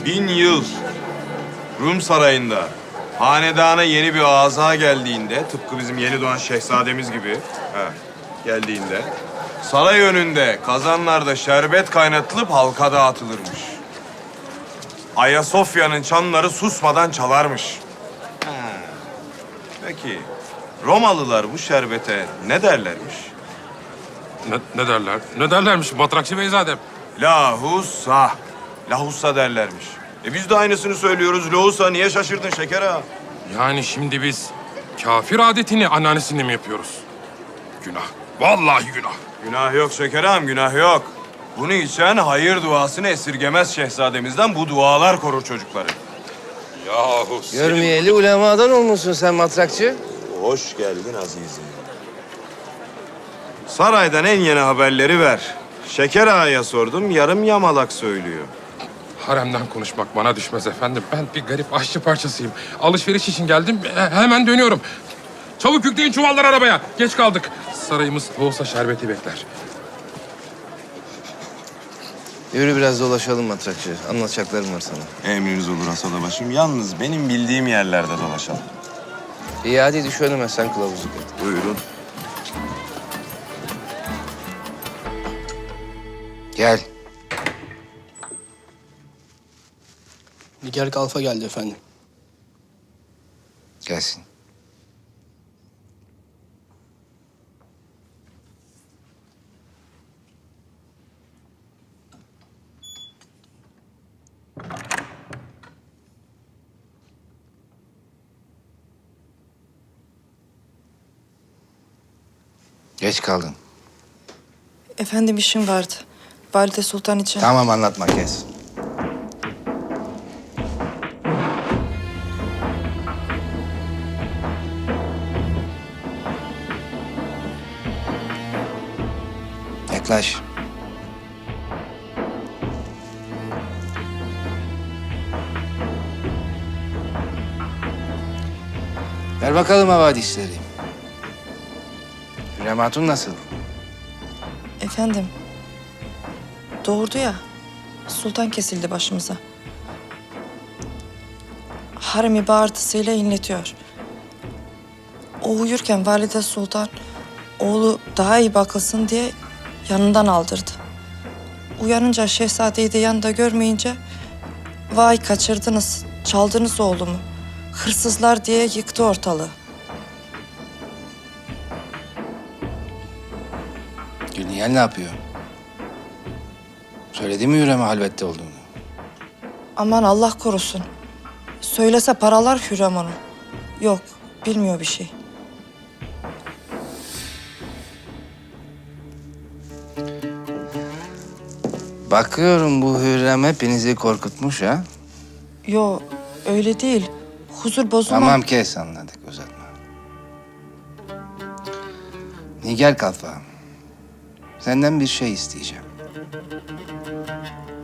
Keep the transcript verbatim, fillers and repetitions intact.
bin yıl Rum sarayında hanedana yeni bir aza geldiğinde, tıpkı bizim yeni doğan şehzademiz gibi he, geldiğinde saray önünde kazanlarda şerbet kaynatılıp halka dağıtılırmış. Ayasofya'nın çanları susmadan çalarmış. Ha. Peki Romalılar bu şerbete ne derlermiş? Ne, ne derler? Ne derlermiş Batrakçı Beyzadem? Lahusa. Lahusa derlermiş. E biz de aynısını söylüyoruz. Lahusa, niye şaşırdın şeker ağa? Yani şimdi biz kafir adetini anneannesini mi yapıyoruz? Günah. Vallahi günah. Günah yok şeker ağam, günah yok. Bunu içen hayır duasını esirgemez şehzademizden, bu dualar korur çocukları. Yahu Görmeyeli ulemadan olmuşsun sen matrakçı. Hoş geldin azizim. Saraydan en yeni haberleri ver. Şeker ağaya sordum, yarım yamalak söylüyor. haremden konuşmak bana düşmez efendim. Ben bir garip aşçı parçasıyım. Alışveriş için geldim. he- Hemen dönüyorum. Çabuk yükleyin çuvallar arabaya. Geç kaldık. Sarayımız olsa şerbeti bekler. Yürü biraz dolaşalım matrakçı. Anlatacaklarım var sana. Emriniz olur Asadabaşım. Yalnız benim bildiğim yerlerde dolaşalım. İyi hadi düş önüme sen kılavuzluk et. Buyurun. Gel. Nigar Kalfa geldi efendim. Gelsin. Geç kaldın. Efendim işim vardı. Valide Sultan için. Tamam anlatma kes. Yaklaş. Ver bakalım havadisleri. Hürrem Hatun nasıl? Efendim. Doğurdu ya. Sultan kesildi başımıza. Haremi bağırtısıyla inletiyor. O uyurken Valide Sultan oğlu daha iyi bakılsın diye yanından aldırdı. Uyanınca şehzadeyi de yanında görmeyince vay kaçırdınız, çaldınız oğlumu. Hırsızlar diye yıktı ortalığı. Gülniyel ne yapıyor? Söyledi mi Hürrem'e halvette olduğunu? Aman Allah korusun. Söylese paralar Hürrem onu. Yok, bilmiyor bir şey. Bakıyorum bu Hürrem hepinizi korkutmuş ha. Yo, öyle değil. Huzur bozulma. Tamam kes anladık uzatma. Nigar Kalfa. Senden bir şey isteyeceğim.